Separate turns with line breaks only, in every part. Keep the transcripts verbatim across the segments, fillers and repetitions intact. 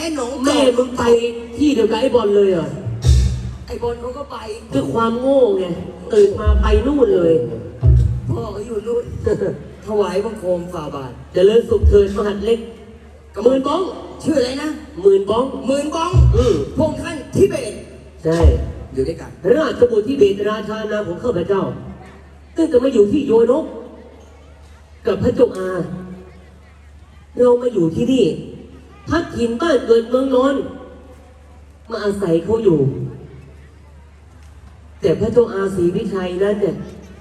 ค่หนอง
แม่มึงไปที่เดียวกับไอ้บอลเลยเหรอ
ไอ้บอลเขาก็ไป
คือความโง่ไงตื่นมาไปนู่นเลย
พ่อเขาอยู่นู่นถวายบังคมฝ่าบาท
เจริญสุขเถิดมหัดเล็กหมื่นบ้อง
ชื่ออะไรนะ
หมื่นบ้อง
หมื่นบ้อง
อือ
พงท่านทิเบต
ใช่
อยู่ด้วยกัน
ราชบุตรทิเบตราชานาของข้าพเจ้าตั้งแต่มาอยู่ที่โยนกกับพระเจ้าอาเรามาอยู่ที่นี่พักถิ่นบ้านเกิดเมืองนอนมาอาศัยเขาอยู่แต่พระเจ้าอาศรีวิชัยนั้นเนี่ย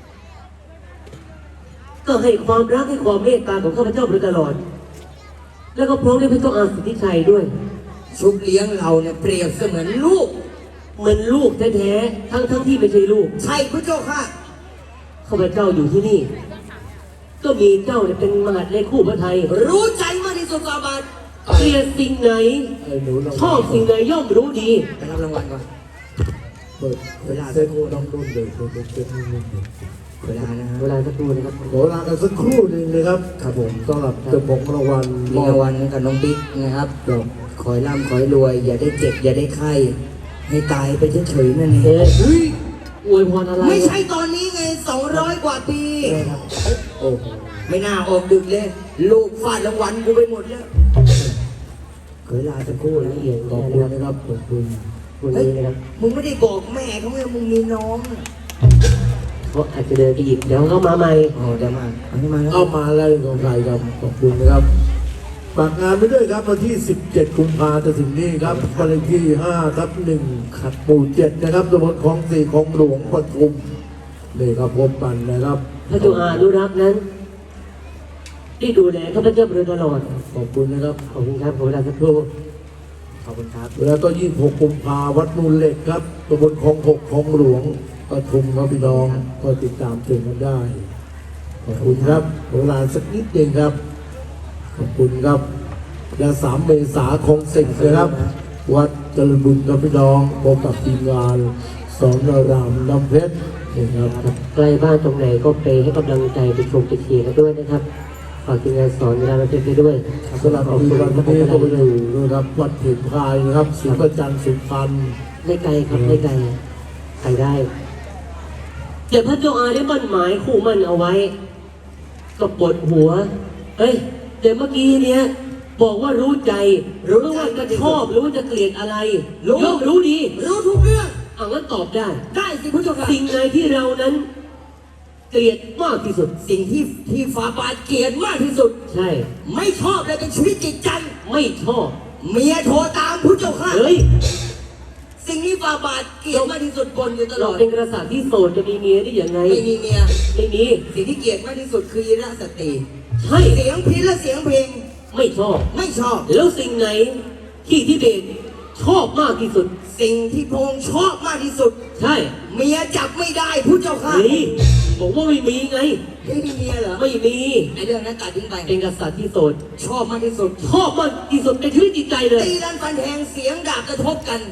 ก็ให้ความรักให้ความเมตตาของข้าพเจ้าโดยตลอดแล้วก็พร้อมด้วยพระเจ้าอาศรีวิชัยด้วย
ชุบเลี้ยงเราเนี่ยเปรียบเสมือนลูก
เหมือนลูกแท้ๆทั้งทั้งที่ไม่ใช่ลูก
ใช่พระเจ้าค่ะ
ข้าพเจ้าอยู่ที่นี่ก็มีเจ้าเนี่ยเป็นมหาดเล็กคู่พระไทย
รู้ใจมากที่สุดฝ่าบาท
เกลียดสิ่งไหนชอบสิ่งไหนย่อมรู้ดี
ไปรับรางวัลก่อน
เปิดเวลาสักครู่น้องรุ่นเลยเปิดเปิดเปิด
เวลานะฮะ
เวลาสักครู่นะครับ
ขอลากันสักครู่หนึ่งนะครับครับผมสำหรับเจ้าของรางวัล
มีรางวัลกับน้องบิ๊กนะครับขอให้ร่ำขอให้รวยอย่าได้เจ็บอย่าได้ไข้ให้ตายไปเฉยๆนั่นเอง
เฮ้ยอวยพรอะไร
ไม่ใช่ตอนนี้ไงสองร้อยกว่าปี
โอ้
ไม่น่าออกดึกเลยลูกฟาดรางวัลกูไปหมดแล้ว
เคยลาสักครู่ละเอียด
ขอบคุณนะครับขอบคุณ
คุณนี้นะครับ
มึงไม่ได้บอกแม่เขาไงมึงมีน้อง
เขาอาจจะเดินไปหยิบเดี๋ยวเขามาใหม่
อ๋อเดี๋ยวมาเอามาแล้ว
เอามาแล้วของใครครับขอบคุณนะครับฝากงานไปด้วยครับวันที่สิบเจ็ดกุมภาพันธ์จะถึงนี้ครับวันที่ห้าทับหนึ่งขัดหมู่เจ็ดนะครับตำบลคลองสี่คลองหลวงปทุมนี่ครับพบกันนะครับ
พระเจ้าอานุรักษ์นั้นที่ดูแลข้าพเจ้าโดยตลอด
ขอบคุณนะครับ
ขอบคุณครับขอเวลาสักครู่
ขอบคุณครับ
แล้วก็ยี่สิบหกกุมภาพันธ์วัดมูลเหล็กครับตำบลคลองหกคลองหลวงปทุมครับพี่น้องก็ติดตามชมกันได้ขอบคุณครับเวลาสักนิดเองครับขอบคุณครับและสามเมษาคงสิงห์นะครับวัดเจริญบุญกับพี่น้องพบกับทีมงานสอนรามน้ำเพชรนะครับ
ใกล้บ้านตรงไหนก็ไปให้กำลังใจไปชมไปเชียร์กันด้วยนะครับฝากทีมงานสอนรามน้ำเพชรไปด้วย
สำหรับวันนี้ก็ไปอยู่นะครับวัดเถินพายนะครับศรีประจันทร์สุพรรณ
ไม่ไกลครับไม่ไกลไปได้แต่พระเจ้าอาได้มั่นหมายคู่มั่นเอาไว้ก็ปวดหัวเฮ้ยแต่เมื่อกี้เนี้ยบอกว่ารู้ใจรู้ว่าจะชอบหรือว่าจะเกลียดอะไรรู้รู้ดี
รู้ทุกเรื่อง
เอางั้นตอบได้
ได้สิพระเจ้าค่ะ
สิ่งไหนที่เรานั้นเกลียดมากที่สุด
สิ่งที่ที่ฝ่าบาทเกลียดมากที่สุด
ใช่
ไม่ชอบเลยเป็นชีวิตจิตใจ
ไม่ชอบ
เมียโทรตามพระเจ้าค่ะ
เฮ้ย
สิ่งนี้ฝ่าบาทเกลียดมากที่สุดบนอยู่ตลอด
เป็นกษัตริย์ที่โสดจะมีเมียได้ยังไง
ไม่มีเมีย
ไม่มี
สิ่งที่เกลียดมากที่สุดคือยีราสตรี
ใช่
เสียงพิณและเสียงเพลง
ไม่ชอบ
ไม่ชอบ
แล้วสิ่งไหนที่ทิเบตชอบมากที่สุด
สิ่งที่พงชอบมากที่สุด
ใช่
เมียจับไม่ได้พุทธเจ้าค่ะ
นี่บอกว่าไม่มีไง
ไม่มีเมียเหรอ
ไม่มี
ไอเรื่องนั้นตัดทิ้งไป
เป็นกษัตริย์ที่โสด
ชอบมากที่สุด
ชอบมากที่สุดในชีวิตจิตใจเลย
ตีรันฟันแทงเสียงดาบกระทบกัน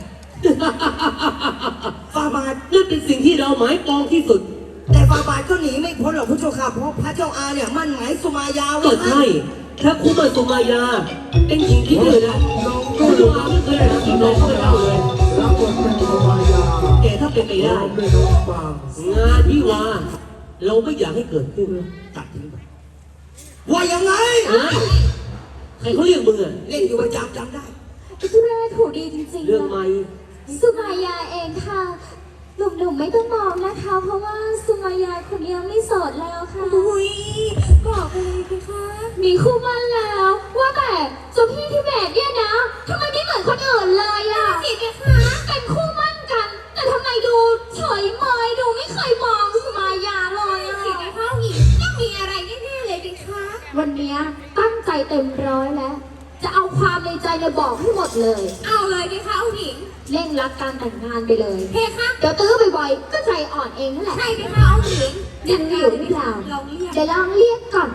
ฟาบาท
นั่นเป็นสิ่งที่เราหมายปองที่สุด
แต่ฟาบาทก็หนีไม่พ้นหรอกพุทธเจ้าค่ะเพราะพระเจ้าอาเนี่ยมั่นหมายสุมายาไว้
ก็ใช่ถ้าคุ้มสุมายาเป็นหญิงที่เดือดนะ
น้อง
ก็ดูไม่เคยรักน้องไม่เล่าเลย
รับบทเป็นสุมายา
แต่ถ้าเป็นไปได้งานวิวาเราไม่อยากให้เกิดขึ้น
ตัดทิ้งไปว่ายังไง
ใครเขาเรียกมึงอะ
เล่นอยู่ประจำจำได้
สุราถูกดีจริงๆ
เรื่องใหม่
สุมายาเองค่ะหนุ่มๆไม่ต้องมองนะคะเพราะว่าสุมายาคนนี้ไม่โสดแล้วค่ะ
อุ้ยบอกไปเลยสิคะ
มีคู่มั่นแล้วว่าแต่เจ้าพี่ที่แบกเนี่ยนะทำไมไม่เหมือนคนอื่นเลยอ่ะสิคะเป็นคู่มั่นกันแต่ทำไมดูเฉยเมยดูไม่เคยมองสุมายาเลยอ่ะ
สิคะหญิงต้องมีอะไรแน่ๆเลยดิคะ
วันนี้ตั้งใจเต็มร้อยแล้วจะเอาความในใจเนี่ยบอกให้หมดเลย
เอาเลยดิคะหญิง
เร่งรัดการแต่งงานไปเลย
เฮ้คะ
เดี๋ยวตื้อบ่อยๆก็ใจอ่อนเองนั่นแหละ
ใช่ดิคะเอาหญิง
ยังอยู่หรือเปล่าเดี๋ยวลองเรียกก่อน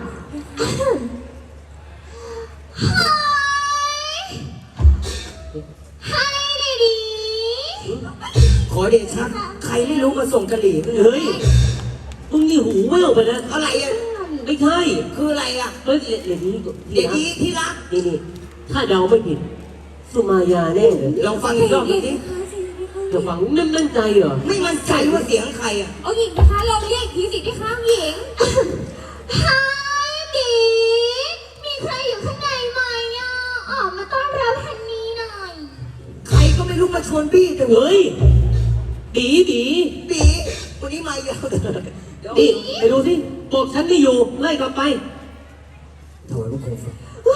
ไฮไฮดี
ขอเดชะใครไม่รู้มาส่งกะหรี่
เฮ้ยมึงนี่หูแว่วไปนะ
อะไรอ่ะ
ไม่ใช่
คืออะไรอ่ะ
เฮ้ยเดี๋ยวนี้
เดี๋ยวนี้ที่รัก
นี่นี่ถ้าเดาไม่ผิดสุมายาแน่เลย
ลองฟังอีกรอบหนึงดิ
จะฟังนั่นนั่นใจเหรอ
ไม่มั่นใจว่าเสียงใครอ่ะ
องค์หญิงนะคะลองเรียกอีกทีสิพี่คะองค์หญิง
ฮายบีมีใครอยู่ข้างในไหมอ่ะออกมาต้อนรับฮันนี่หน่อย
ใครก็ไม่รู้มาชวนพี่แต่
เฮ้ยบีบี
ปีวันนี้มายาวเลยเดี๋ยว
นี่ไปดูสิบอกฉันไม่อยู่ไล่กลับไป
ถวายพระโคม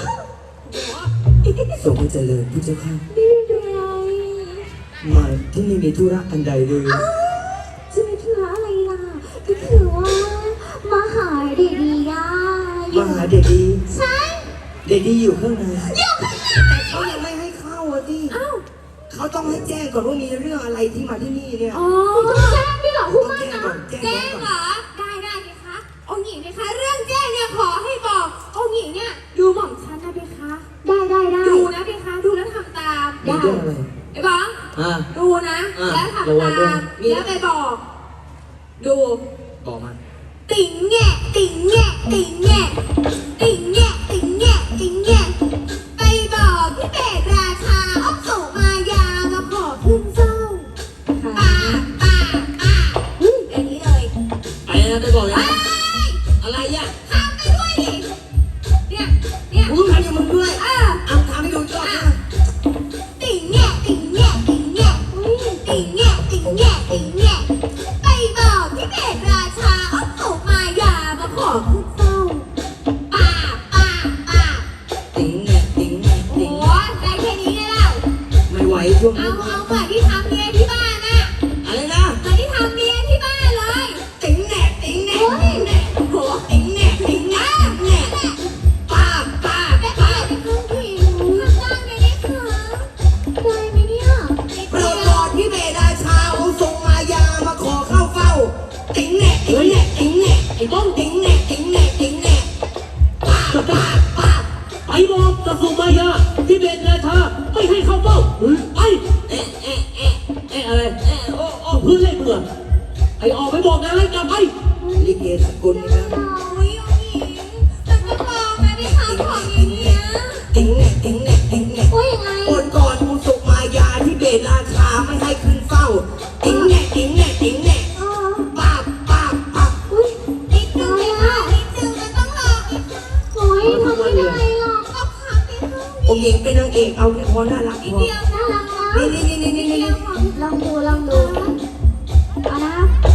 ทรงพระเจริญผู้เจ้าข้า
ไม่เป็นไร
มาที่นี่มีธุระอันใดเลย
จะมีธุระอะไรล่ะก็คือว่ามาหาเดดีย่าอ
มา
ยู่
หาเดดี
ใช่
เดดีอยู่ข้างใน
อยู่ข้างใน
แต่เขายังไม่ให้เข้าอ่ะที่
อ้าว
เขาต้องให้แจ้งก่อนว่ามีเรื่องอะไรที่มาที่นี่เนี่ย
อ๋อต้องแจ้งด้วยเหรอคุณ
ต้อง
ม่า
แจ้ง
นะ
ก่อนแจ้ง
แจ้ง
ก่อน
เหรอ ได้ได้พี่คะองค์หญิงนะคะ เรื่องแจ้งเนี่ยขอให้บอกองค์หญิงเนี่ยดูหม่อมฉันนะพี่คะ
ได้ได้ได้
ดูนะพี่คะดูแล้วทำตาม
มีเรื่องอะไร
ไอ้บ้อง
อ่า
ดูนะ
อ่ะ
แล้วทำ
ระวังด้ว
ตาย มแล้วไปบอก ดู
บอกมา
ติ่งแงะติ่งแงะติ่งแงะติ่งแงะติ่งแงะติ่งแงะไปบอกพี่เป็ดราชาเอาสุมายามาขอขึ้นเฝ้าป้าป้าป้าอืมอย่างนี้เลย
ไปนะไปบอกเลยนะอะไรอ่ะ
ทำไปด้วยดิเนี่ยเนี่ย
มึงทำอย่างมึงด้วย
เออ
เอาทำให้ดูก่อนนะ
ติ่งแงะติ่งแงะติ่งแงะอืมติ่งแงะติ่งแงะติ่งแงะไปบอกพี่เป็ดราชาเอาสุมายามาขอขึ้นเฝ้าป้าป้าป้า
ติ๋งแงะติ๋งแงะ
โอ้
ติ๋ง
โหได้แค่นี้ไงเล่า
ไม่ไหวช่วง
เอา
นี้
เอาเหมือนที่ทำเมียที่บ้านน่ะ
อะไรนะ
เหมือนที่ทำเมียที่บ้านเลย
ติ๋งแงะติ๋งแงะติ๋งแงะโอ้โหติ๋งแงะติ๋งแงะแงะป้าป้า
แต่
ป้า
เมียเป็นคนผิวทำได้ไหมเนี่ยคะ
ได้ไหมเนี่ย
โปรดกอดพี่เบดาชาเอาทรงมายามาขอเข้าเฝ้า ติ๋งแงะติ๋งแงะติ๋งแงะ
ไอ้บ้อง
ติ๋งแงะติ๋งแงะติ๋งแงะป้าป้าป้า
ไปบอกกับสุมายาที่เบนราชาไม่ให้เข้าเฝ้าไป
เอ๊ะเอ๊ะเอ๊ะ
เอ๊ะอะไร
เอ๊ะโอ้โอ้
เพื่อนเล่นเบื่อไอ้ออกไปบอกนะไล่กลับไป
ลิเกสกุลนี่นะ
โอ้ยองค์หญิงมันก็ลองนะพี่คะของอย่างเงี้ย
ติ๋งแงะติ๋งแงะติ๋งแงะ
ว่ายังไง
โปรดก่อนอุสุมายาที่เบดาชาไม่ให้ขึ้นเฝ้า ติ๋งแงะติ๋งแงะติ๋งแงะ
อ๋อ
ป้าป้าป้า
อุ้ย
นิดนึงพี่คะนิดนึงมันต้องลองอีกค่ะ
โอ้ยทำไม่ได้หรอก
ต้องทำไปค่ะ
องค์หญิงเป็นนางเอกเอาแค่พอน่ารักพอ
เดียว
น่ารักนะ
นี่นี่นี่นี่นี่นี่
ลองดูลองดูเอานะ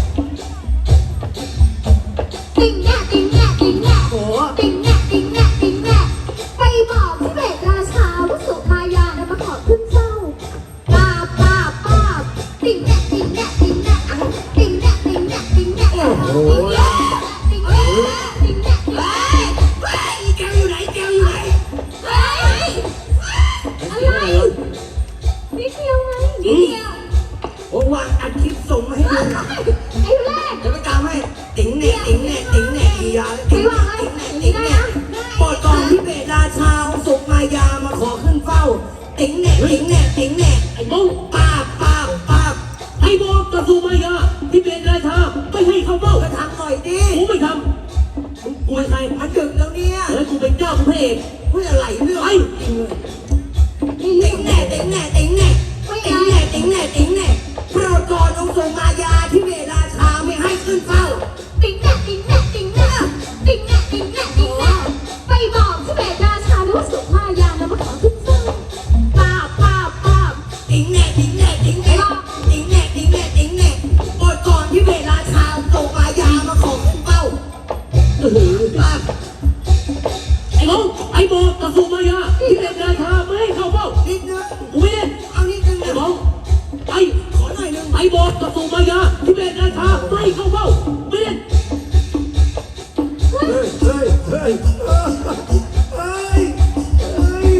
ติ่งแงะติ่งแงะติ่งแงะ
โอ้
ติ่งแงะติ่งแงะติ่งแงะไปบอกพี่เบสราชาว่าสุมายานะมาขอขึ้นเฝ้าป้าบป้าบป้าบติ่งแงะติ่งแงะติ่งแงะติ่งแงะติ่งแงะติ่งแงะติ่งแงะติ่งแงะติ่งแงะ
เฮ้ยเฮ้ยแกวอยู่ไหนแกวอยู่ไหน
เฮ้ยอะไรนิดเดียวไงนิดเดียว
โอ้วางอัดคลิปส่งมาให้ดู
ไอ้แรก
เดี๋ยวไปตามให้ ติ๋งแหน่ติ๋งแหน่ติ๋งแหน่อียาติ๋งแหน่ติ๋งแหน่ติ๋งแหน่โปรดก่อนที่เบดาชาเอาสุมายามาขอขึ้นเฝ้า ติ๋งแหน่ติ๋งแหน่ติ๋งแหน่
ไอ้บ้อง
ป้าป้าป้า
ไอ้บอกกับสุมายาที่เบนราชาไม่ให้เข้าเฝ้า
ก็ทำหน่อยดิ
กูไม่ทำมึงกูเป็นใคร
มันดึกแล้วเนี่ย
แล้วกูเป็นเจ้ากูพระเอก
พูดอะไรเรื่อง
ไอ้
จริงเลยติ๋งแหน่ติ๋งแหน่ติ๋งแหน่ติ๋งแหน่ติ๋งแหน่ติ๋งแหน่โปรดก่อนองค์ทรงมายาที่เบดาชาไม่ให้ขึ้นเฝ้า
ติ่งแงะติ่งแงะติ่งแงะติ่งแงะติ่งแงะติ่งแงะไปบอกที่เบสราชาว่าสุมายานะมาขอขึ้นเฝ้าป้าบป้าบป้าบ
ติ๋งแหน่ติ๋งแหน่ติ๋งแหน่ติ๋งแหน่ติ๋งแหน่ติ๋งแหน่โปรดก่อนที่เบดาชาส่งมายามาขอขึ้นเฝ้า
เออ
ป้า
ไอ้บ้องไอ้บอกกับสุมายาที่เบนราชาไม่ให้เข้าเฝ้า
นิดนึง
กูไม่เล่น
เอานิดนึง
ไอ้
นะ
บ้องไอ้
ขอหน่อยนึง
ไอ้บอกกับสุมายาที่เบนราชาไม่ให้เข้าเฝ้าไม่เล่น
เฮ้ยเฮ้ยเฮ้ยเฮ้ยเฮ้ยเฮ้ย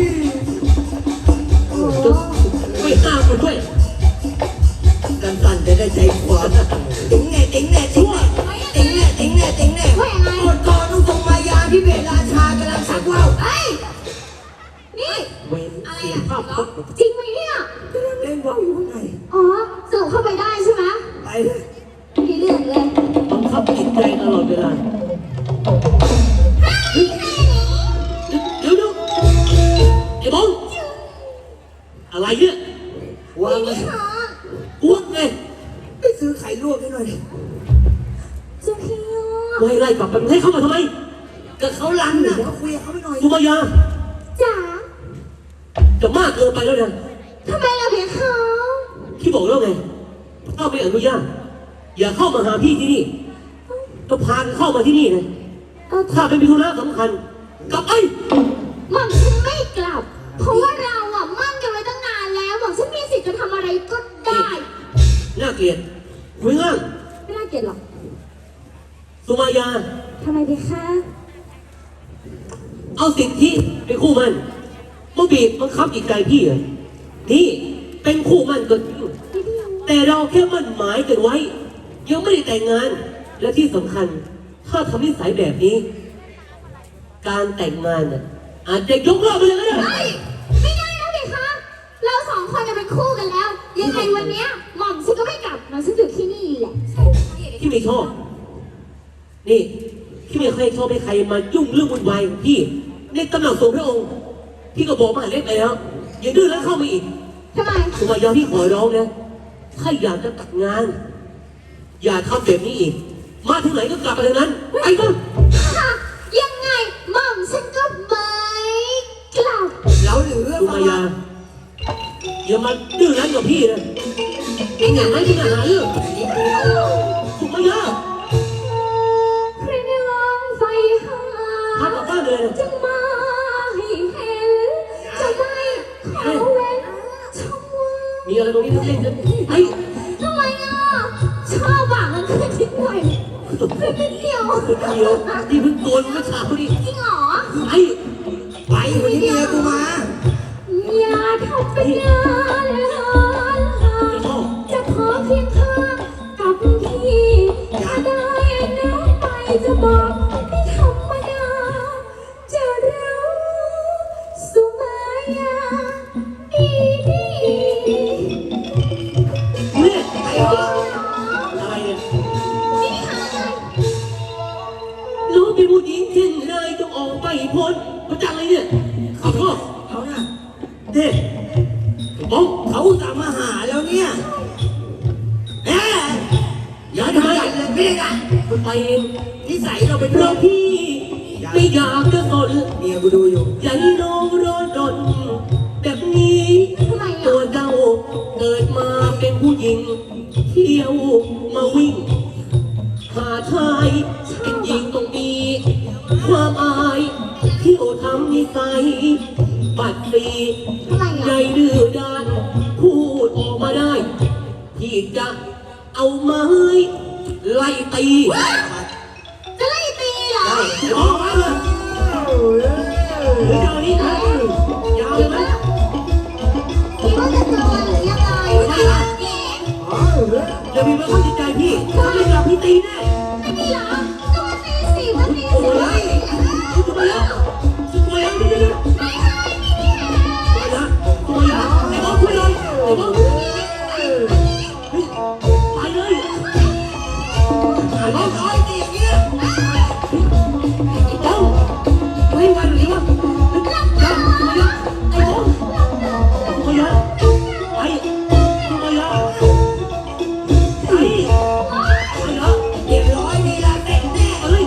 ไม่ห้ามมันด้วย
กันสั่นจะได้ใจความติ๋งแหน่ติ๋งแหน่ติ๋งแหน่ติ๋งแหน่ติ๋งแหน่ติ๋งแหน่
ว่ายังไง
โปรดก่อนต้องส่งมายาที่เบดราชากำลังสักว่าว
เฮ้ยนี่
เวนเสียภาพพจน์
จริงไหมเนี่ย
กำลังเล่นว่าวอยู่ข้างใน
อ๋อสรุปเข้าไปได้ใช่ไหม
ไปเลย
มีเรื่องเลย
บังคับจิตใจตลอดเวลาเดี๋ยวเดี๋ยวไอ้บ้องอะไรเนี่ย
วางไว้
พี่คะ
อ้วกไง
ไปซื้อไข่ลวกให้หน่อย
เจ้าพี่อ่ะ
ไล่ไล่กลับไปให้เข้ามาทำไม
ก็เขาลันน่ะเดี๋ยวคุยกับเขาไปหน่อย
สุมายา
จ๋า
จะมากเกินไปแล้วนะ
ทำไมล่ะพี่คะ
พี่บอกแล้วไงถ้าไม่อนุญาตอย่าเข้ามาหาพี่ที่นี่ก็พากันเข้ามาที่นี่นะ
เออ
ถ้าเป็นพิธุระสำคัญกลับไป
หม่อมฉันไม่กลับ เพราะว่าเราอ่ะมั่นกันไว้ตั้งนานแล้วหม่อมฉันมีสิทธิ์จะทำอะไรก็ได้
น่าเกลียดคุยง่าย
ไม่น่าเกลียดหรอก
สุมายา
ทำไมดีคะ
เอาสิทธิเป็นคู่มันมาบีบบังคับอีกไกลพี่เหรอนี่เป็นคู่มันก็จริงแต่เราแค่มั่นหมายกันไว้ ยังไม่ได้แต่งงาน และที่สำคัญ ถ้าทำนิสัยแบบนี้ การแต่งงานน่ะอาจจะยกเลิกไปเลยก็ได้
เฮ้ยไม่ได้นะเด็กคะ เราสองคนจะเป็นคู่กันแล้ว ยังไงวันเนี้ยหม่อมฉันก็ไม่กลับหม่อมฉันอยู่ที่นี่แหละ
พี่ไม่ชอบ นี่พี่ไม่เคยชอบให้ใครมายุ่งเรื่องวุ่นวายของพี่ในตำแหน่งส่วนพระองค์ พี่ก็บอกมาหาเล็กไปแล้ว อย่าดื้อแล้วเข้ามาอีก
ทำไม
สุมายาพี่ขอร้องนะ ถ้าอยากจะตัดงาน อย่าทำแบบนี้อีก มาถึงไหนก็กลับไปทางนั้น ไปก็
ค่ะยังไงหม่อมฉันก็ไม่กลับ
เราเหลือ
สุมายา อย่ามาดื้อรั้นกับพี่นะเองอย่างไรที่จะหาเรื่องสุมายา
ใครในลองไฟหา
พากลับบ้านเลยนะ
จะมาให้เห็น จะไม่ขอเว้นช่องว่าง
มีอะไรตรงนี้ต้องเล่นกันไอ้
ทำไมอ่ะ ชอบหวังมันขึ้นนิดหน่อยขึ้นนิดเดียว
คนเดียวที่เพิ่งโดนเมื่อเช้านี่
จริงเหรอ
ไอ้
ไปวันนี้เมียกูมา
อย่าทำเป็นงานเลย
จะชอบ
จะขอเพียงข้างกับพี่ถ้าได้แล้วไปจะบอกไม่ธรรมดา จะรู้สุมายาดีดี
เนี่ย
ไปเหรอ
อะไรเนี่ย
นี่ค่ะ
น้องเป็นผู้หญิงเช่นไรต้องออกไปพ้นมาจังเลยเนี่ยขอโทษ
เขาน่ะ
เด็กบ้อง
เขาอุตส่าห์มาหาแล้วเนี่ยแหม
อย่าทำไม
กันเลยไม่ได้กัน
มันไปเอง
นิสัยเราเป็น
เพ
เรื่อ
ราะ
ง
พี่ไม่อยากจะสน
เมียกูดูอยู่
อย่าให้น้องร้อนรนแบบนี้
ทำไม
ตั
อ่ะ
วเจ้าเกิดมาเป็นผู้หญิง เที่ยวมาวิ่ง หาชายเป็นหญิงต้องมี ความอายเที่ยวทำนิสัยบัดสี
ทำไม
ใหญ่
อ่ะ
ดื้อด้านพูดออกมาได้ ที่จะเอาไม้ไล่ตี
จะไล่ตีเหรอ
ได้ออกมาเลยหรือจะเอานี้นะยาวเลยไหม
คิดว่าจะโดนหรือยังไงไม่ล่ะ
อย่ามีมาเข้าจิตใจพี่ถ้าไม่กลับพี่ตีแน่
ไม่มีเหรอก็มาตีสิมาตี
โอ้
สิ
ยตัวแล้วตัวแล้วนี่นี่
ไม่ให้ไม่มีเหรอ
ตัวแล้วตัวแล้วไอ้บอลคุยเลยไอ้บอลไปเลยไอ้บอล
ร้อยตีอย่างเงี้ย
ไอ้บอลไม่ไหวหรือวะยังตัวแล้วไอ้บอลตัวแล้วไอ้ตัวแล้วไอ้ตัวแล้ว
เรียบร้อยดีละเต็มแน่
เอ้ย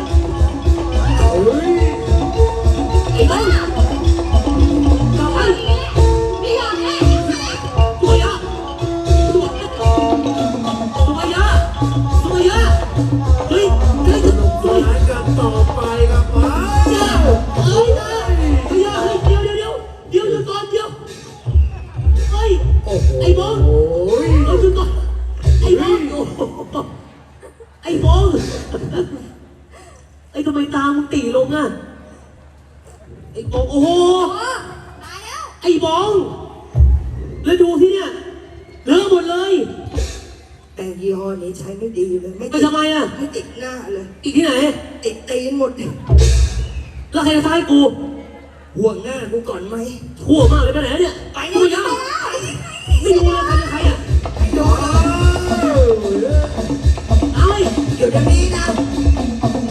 ไอ้บอลกลับไป
ไม่ยอมแน่
ตัวยาตัวยาตัวยาเฮ้ยเฮ้ย
สนุกสนานกันต่อไปครับมา
ยาเฮ้ยเฮ้ยเฮ้ยเดี๋ยวเดี๋ยวเดี๋ยวเดี๋ยวเดี๋ยวก่อนเดี๋ยวเฮ้ย
โอ้โห
ไอ้บอล
โอ้ย
เอาจุดก่อนไอ้บอลโอ้โหไอ้บอลไอ้ทำไมตามึงตีลงอ่ะไอ้บอลโอ้โห
ตายแล้ว
ไอ้บอลแล้วดูที่เนี่ยเลอะหมดเลย
แต่ยี่ห้อนี้ใช้ไม่ดีเลยไม่
ไป
ติด
ทำไมอ่ะ
ไม่ติดหน้าเลย
อีกที่ไหน
ติดตีนหมด
แล้วใครจะท้ายกู
ห่วงหน้ากูก่อนไหม
ทั่วมากเลยไปไหนเนี่ย
ไป
ตัวยาไม่รู้เลยใครจะใครอ่ะ
โดน
เอาไอ้
เดี๋ยวเดี๋ยวนี้นะ
ไ